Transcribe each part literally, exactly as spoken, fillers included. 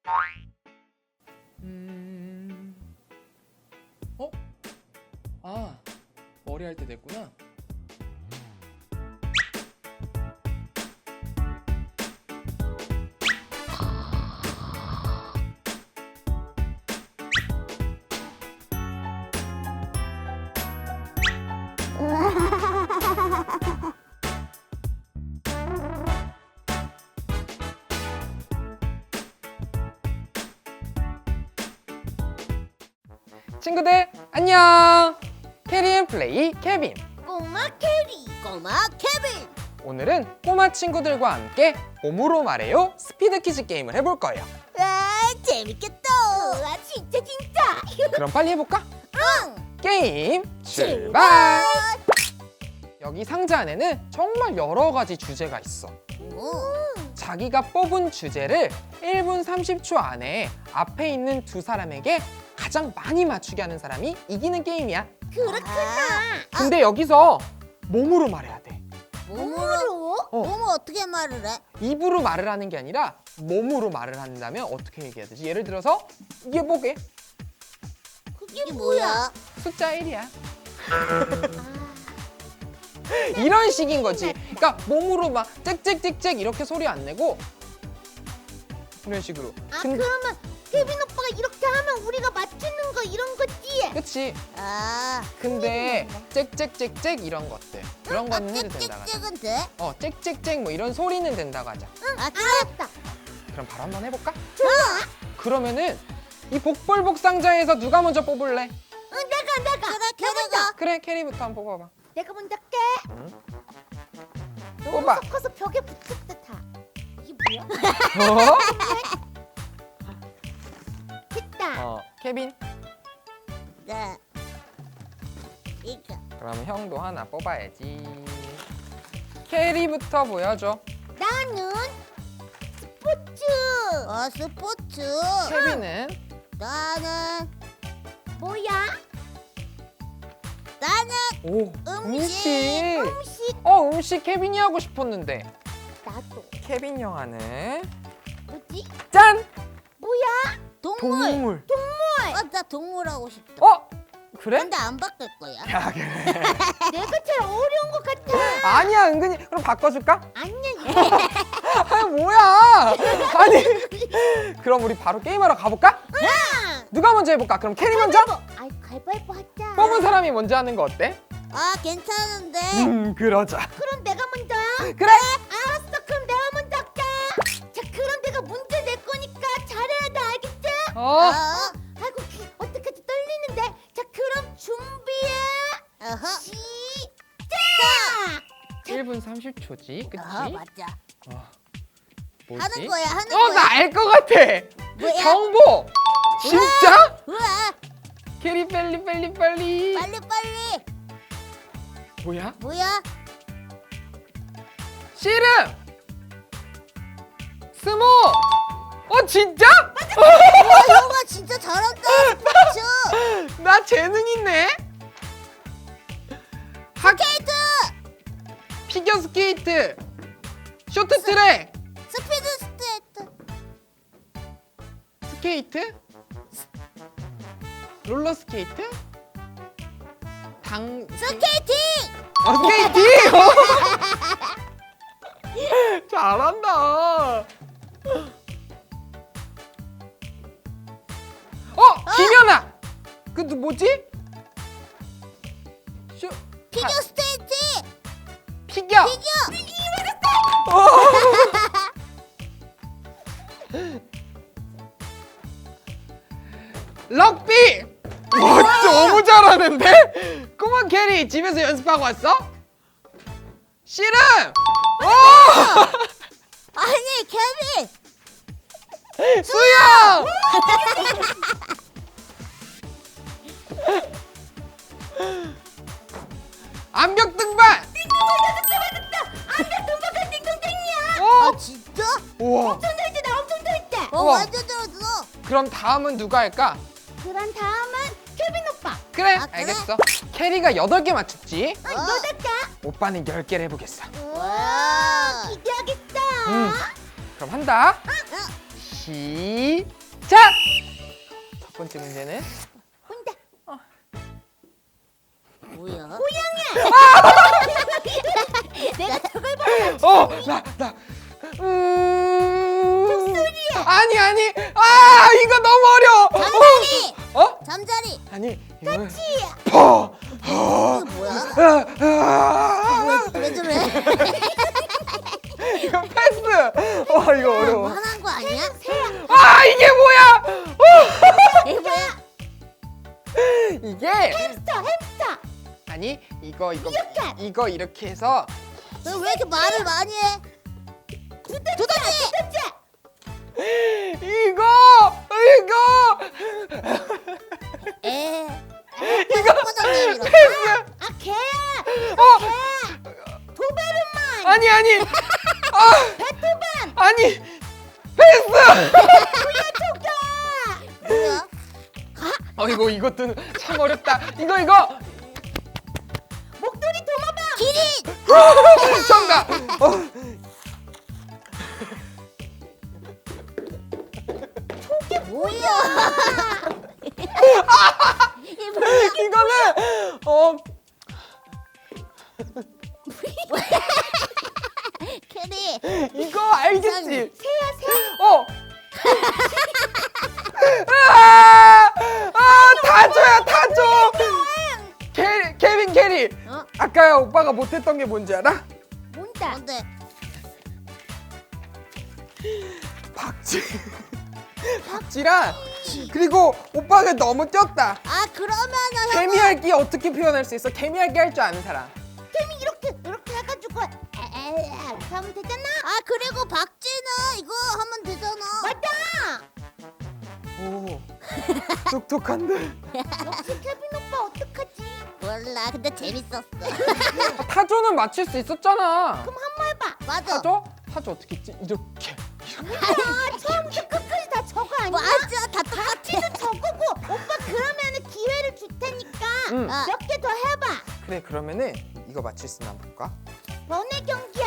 음... 어? 아, 머리 할 때 됐구나. 친구들 안녕! 캐리앤플레이 케빈! 꼬마 캐리, 꼬마 케빈. 오늘은 꼬마 친구들과 함께 몸으로 말해요 스피드 퀴즈 게임을 해볼 거예요. 와, 재밌겠다. 와, 진짜 진짜. 그럼 빨리 해볼까? 응. 게임 출발! 여기 상자 안에는 정말 여러 가지 주제가 있어. 오. 자기가 뽑은 주제를 일 분 삼십 초 안에 앞에 있는 두 사람에게 가장 많이 맞추게 하는 사람이 이기는 게임이야. 그렇구나. 근데 여기서 몸으로 말해야 돼. 몸으로? 어. 몸을 어떻게 말을 해? 입으로 말을 하는 게 아니라 몸으로 말을 한다면 어떻게 얘기해야 되지? 예를 들어서 이게 뭐게? 그게 뭐야? 숫자 일이야. 이런 식인 거지. 그러니까 몸으로 막 짹짹짹짹 이렇게 소리 안 내고 이런 식으로. 아, 근- 그러면 케빈 오빠가 이렇게 하면 우리가 맞추는 거 이런 거지? 그치? 아. 근데 짹짹짹짹 이런 것들 그런 거는 해도 된다고 하자. 짹짹짹은 돼? 어, 짹짹짹 뭐 이런 소리는 된다고 하자. 응, 아, 알았다. 그럼 바로 한번 해볼까? 좋아. 그러면은 이 복불복 상자에서 누가 먼저 뽑을래? 응, 내가 내가. 그래, 캐리가. 그래, 캐리부터 한번 뽑아봐. 내가 먼저 할게. 응? 너무 뽑아. 섞어서 벽에 붙었다 다. 이게 뭐야? 어? 됐다. 어, 케빈. 네. 이거. 그럼 형도 하나 뽑아야지. 캐리부터 보여줘. 나는 스포츠. 어, 스포츠. 케빈은 나는 뭐야? 나는 오, 음식. 음식. 음식. 어, 음식 케빈이 하고 싶었는데. 나도. 케빈 영화는 뭐지? 짠! 뭐야? 동물. 동물. 동물. 어, 나 동물 하고 싶다. 어? 그래? 근데 안 바꿀 거야. 야, 그래. 내가 제일 어려운 것 같아. 아니야, 은근히. 그럼 바꿔줄까? 아니야. 아, 뭐야? 아니. 그럼 우리 바로 게임하러 가볼까? 응. 누가 먼저 해볼까? 그럼 캐리 먼저? 아이, 가위바위보 하자. 뽑은 사람이 먼저 하는 거 어때? 아, 괜찮은데. 음, 그러자. 그럼 내가 먼저. 그래. 알았어. 그럼 내가 먼저 할게. 자, 그럼 내가 문제 낼 거니까 잘해야 돼. 알겠지? 어. 어. 아이고, 어떡하지? 떨리는데. 자, 그럼 준비해. 어허. 시작. 일 분 삼십 초지, 그치? 어, 맞아. 어, 뭐지? 하는 거야, 하는 어, 거야. 나 알 것 같아. 뭐야? 정보. 진짜? 왜? 캐리 빨리 빨리 빨리. 빨리 빨리. 뭐야? 뭐야? 씨름. 스모. 어, 진짜? 와, 형아 진짜 잘한다. 스포츠. 나 재능 있네. 학 스케이트. 피겨 스케이트. 쇼트트랙. 스피드 스케이트. 스케이트? 롤러 스케이트? 당 스케이팅. 아, 스케이팅! 잘한다. 어, 김연아. 그 누- 뭐지? 쇼 피겨 아, 스케이트. 피겨. 피겨. 어. 럭비! 와, 너무 잘하는데? 꼬마 캐리 집에서 연습하고 왔어? 씨름! 오! 아니, 케빈. 수영! 암벽 등반! 안돼, 등박한 띵동댕이야. 오! 아, 진짜? 우와. 엄청 잘했지, 나 엄청 잘했지. 어, 우와. 완전 잘했어. 그럼 다음은 누가 할까? 그런 다음은 케빈 오빠. 그래, 아, 그래? 알겠어. 캐리가 여덟 개 맞췄지? 어, 여덟 개. 오빠는 열 개를 해보겠어. 와, 기대하겠다. 음. 그럼 한다. 어, 시작! 첫 번째 문제는 온다. 뭐야? 내가 저걸 봐. 어! 나! 나! 음... 목소리야! 아니 아니! 아! 이거 너무 어려워! 잠자리! 어? 어? 잠자리! 아니 이거 치야. 퍼! 이게 뭐야? 아, 아, 왜, 왜 저래? 이거 패스! 와 이거 어려워 화난 거 아니야? 아 이게 뭐야! 어! 이게 뭐야? 이게 햄스터 햄스터. 아니 이거 이거 미역캣. 이거 이렇게 해서 너 왜 이렇게 말을 많이 해? 두더지. 두더지! 두더지. 이거 이거 에. 이거 화장실 이거. 패스! 아 개야. 어! 도베르만. 아니 아니 아 베토벤. 아니 패스! 뭐야? 어 이거 이것도 참 어렵다 이거 이거 목도리 도마뱀. 기린! 정답! 어. 이게 뭐야? 이게 뭐야? 이거는 어 캐리! 이거 알겠지? 새야 새. 어! 아! 아, 다 줘야 다 줘! 캐, 케빈 캐리! 어? 아까 오빠가 못했던 게 뭔지 알아? 뭔다. 뭔데? 박쥐 박쥐랑 그리고 오빠가 너무 뛰었다 아 그러면은 형 개미핥기 어떻게 표현할 수 있어? 개미핥기 할 줄 아는 사람 개미 이렇게 이렇게 해가지고 에에 이렇게 하면 되잖아. 아 그리고 박쥐는 이거 하면 되잖아. 맞다. 오 똑똑한데 역시 케빈 오빠 어떡하지? 몰라 근데 재밌었어. 타조는 맞힐 수 있었잖아 그럼 한번 해봐. 맞아. 타조? 타조 어떻게 했지? 이렇게 아 처음부터 끝까지 다 저거 아니야? 맞아 다 똑같아. 박쥐도 저거고 오빠 그러면은 기회를 줄 테니까 응. 아. 몇 개 더 해봐. 그래 그러면은 이거 맞힐 수 있나 볼까? 너네 경기야.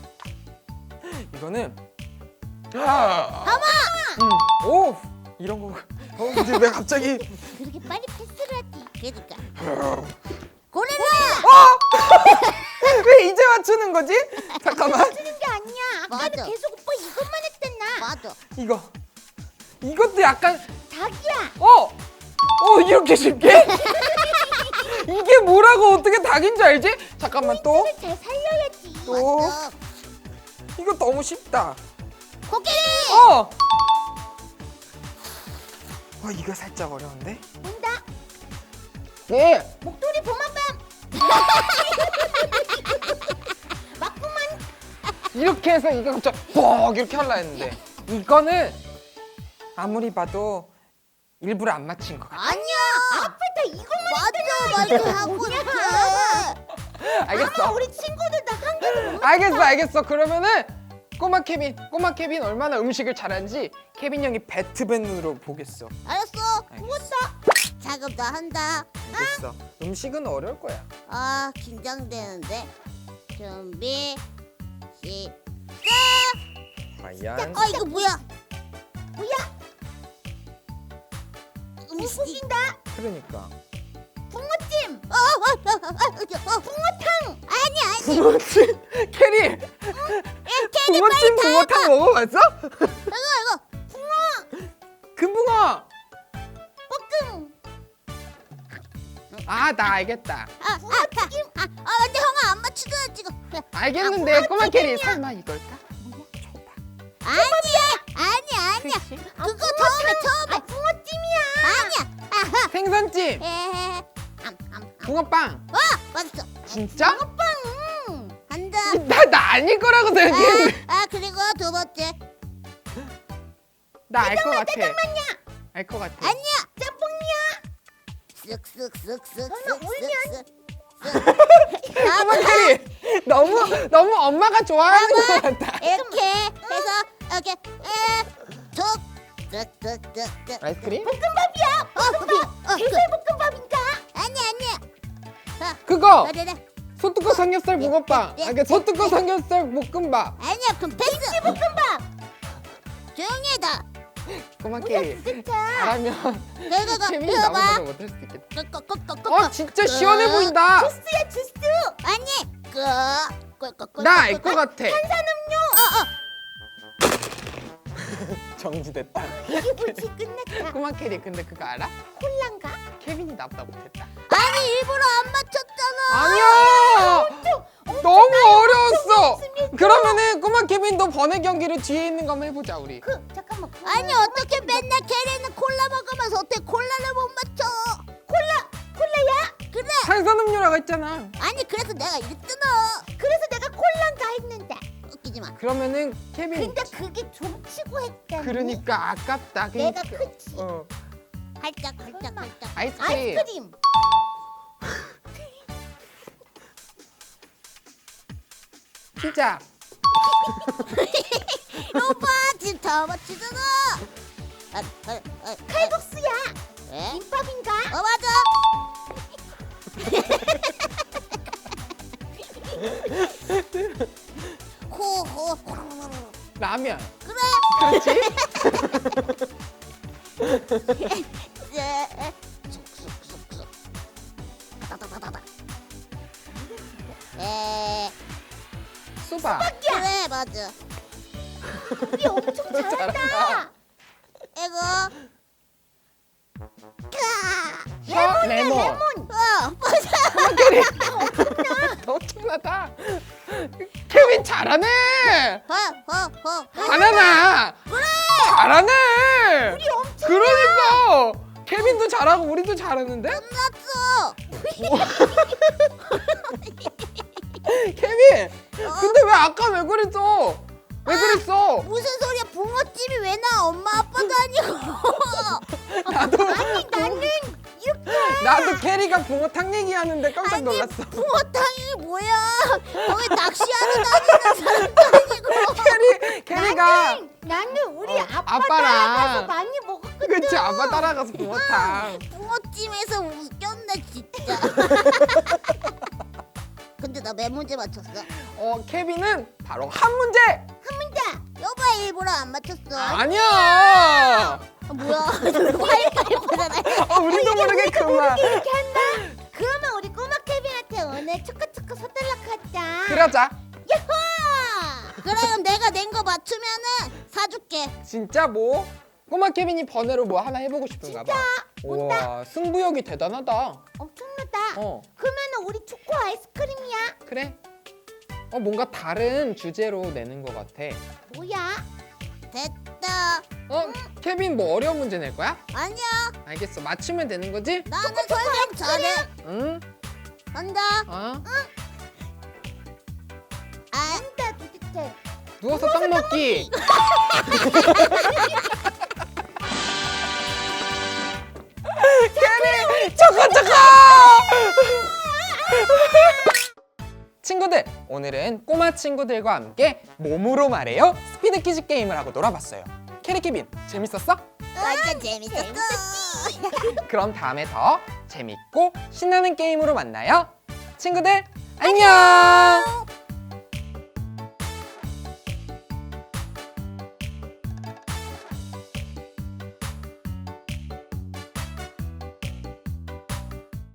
이거는 하마! 응. 오! 이런 거 어, 근데 왜 갑자기 그렇게 빨리 패스를 하지. 그러니까. 고릴라! 어! 왜 이제 맞추는 거지? 잠깐만 쓰는 게 아니야. 아까도 맞아. 계속 오빠 이것만 했잖아. 맞아. 이거 이것도 약간 닭이야. 어! 어 이렇게 쉽게? 이게 뭐라고 어떻게 닭인 줄 알지? 잠깐만 또 잘 살려야지. 또 맞아. 이거 너무 쉽다 코끼리! 어! 어 이거 살짝 어려운데? 온다. 예! 목도리 도마뱀. 맞구만. 이렇게 해서 이거 갑자기 뻑 이렇게 하려 했는데 이거는 아무리 봐도 일부러 안 맞힌 것 같아 아니야. 앞에 다 이것만 맞아 맞아 하고 뭐냐? 이렇게. 알겠어 아마 우리 친구들 다 한 개도 못 알겠어 알겠어 그러면은 꼬마 케빈 꼬마 케빈 얼마나 음식을 잘하는지 케빈 형이 배트맨으로 보겠어 알았어. 알겠어 자 그럼 나 한다. 알겠어 음식은 어려울 거야 아 긴장되는데. 준비 시작. 과연 아 이거 뭐야? 뭐야? 음식. 웃긴다. 그러니까 붕어찜. 어, 어, 어, 어, 어, 어, 붕어탕. 아니 아니. 붕어찜 캐리 예, 캐리 붕어찜 빨리 다 붕어탕 먹어봤어? 이거 이거. 금붕어 볶음. 아 나 알겠다 아, 아, 아, 아, 아, 근데 형아 안 맞추잖아 지금. 알겠는데 꼬마 캐리 설마 이걸까? 줘봐 아니야, 아니야, 아니야. 그거 처음에 처음에. 아 붕어찜이야. 아니야. 아하. 생선찜 에, 암, 암, 암. 붕어빵 와, 맞았어. 진짜? 음, 한다. 나, 나 아닐 거라고 생각했는데 아, 아 그리고 두 번째. 나 알 것 같아 알 것 같아 아니야. 짬뽕이야. 쓱쓱쓱쓱쓱. 설마 울면? 꼬마 캐리 너무 너무 엄마가 좋아하는 것 같다 이렇게 해서 이렇게 에, 툭, 쓱쓱쓱쓱. 아이스크림? 볶음밥이야. 어, 그게, 어, 그, 게살 볶음밥인가? 아니 아니야. 자, 그거 그래, 그래. 소뚜껑 삼겹살 붕어빵 예, 아, 그 소뚜껑 삼겹살 볶음밥 아니야, 그럼 패스. 볶음밥. 조용히 해, 나. 꼬마 뭐야 케빈 진짜. 잘하면 내가 가 케빈이 이거 나보다 봐. 못할 수도 있겠다. 꺼꺼꺼꺼꺼. 어 진짜 시원해 보인다. 주스야 주스. 아니 그 꺼꺼꺼. 나 알 것 같아. 탄산음료. 정지됐다. 이게 뭐지 끝났다. 꼬마 케빈 근데 그거 알아? 콜라인가? 케빈이 나보다 못했다. 아니 일부러 안 맞췄잖아. 아니야. 엄청 너무 어려웠어. 없습니다. 그러면은 꼬마 케빈 너 번외 경기를 뒤에 있는 거 한번 해보자 우리. 그 잠깐만. 그거 아니 어떻게 맨날 캐리는 콜라 먹으면서 어떻게 콜라를 못 맞춰? 콜라 콜라야? 그래. 탄산음료라고 했잖아. 아니 그래서 내가 이랬잖아. 그래서 내가 콜라인가 했는데. 웃기지 마. 그러면은 케빈. 근데 그게 좀 치고 했다니. 그러니까 아깝다. 내가 그러니까. 그치. 어. 활짝 활짝 활짝. 아이스크림. 아이스크림. 피자. 오빠 지금 다 맞추잖아. 아, 아, 아, 칼국수야. 왜? 김밥인가? 어 맞아. 호호. 라면. 그래. 그렇지? 예. 쑥쑥쑥쑥. 다다다다다. 에. 수박. 그래 맞아. 우리 엄청 잘한다. 이거. 셔 레몬. 레몬. 어 맞아. 케빈. 엄청나다. 케빈 잘하네. 허허허. 잘하나. 그래. 잘하네. 우리 엄청. 그러니까 케빈도 잘하고 우리도 잘하는데? 끝났어. 케빈. 근데 왜 아까 왜 그랬어? 왜 그랬어? 무슨 소리야? 붕어찜이 왜 나? 엄마 아빠도 아니고. 나도 나는 이렇게. 나도 캐리가 붕어탕 얘기하는데 깜짝 아니 놀랐어. 붕어탕이 뭐야? 거기 낚시하러 다니는 사람도 아니고. 캐리 캐리가 나는 우리 어, 아빠 아빠랑. 따라가서 많이 먹었거든. 그치 아빠 따라가서 붕어탕. 붕어찜에서 웃겼네 진짜. 근데 나 몇 문제 맞췄어? 어 케빈은 바로 한 문제. 한 문제. 여봐 일부러 안 맞췄어. 아니야. 아, 뭐야? 화이파이보잖아. 어, 우리도 모르게 그만. 이렇게 한다. 그러면 우리 꼬마 케빈한테 오늘 초코초코 서달락 하자. 그러자. 야호! 그럼 내가 낸 거 맞추면은 사줄게. 진짜 뭐 꼬마 케빈이 번외로 뭐 하나 해보고 싶은가 봐. 우와 승부욕이 대단하다. 엄청나다. 어 그러면 우리 초코 아이스크림이야. 그래. 어 뭔가 다른 주제로 내는 것 같아. 뭐야? 됐다. 어 케빈 뭐 어려운 문제 낼 거야? 아니야. 알겠어 맞추면 되는 거지? 나는 설명 잘해. 응. 간다. 어 아, 안다 도대체. 누워서 떡 먹기. 캐리 초코 초코. 친구들 오늘은 꼬마 친구들과 함께 몸으로 말해요 스피드 퀴즈 게임을 하고 놀아봤어요. 캐리 케빈 재밌었어? 완전 재밌었어. 그럼 다음에 더 재밌고 신나는 게임으로 만나요. 친구들 안녕.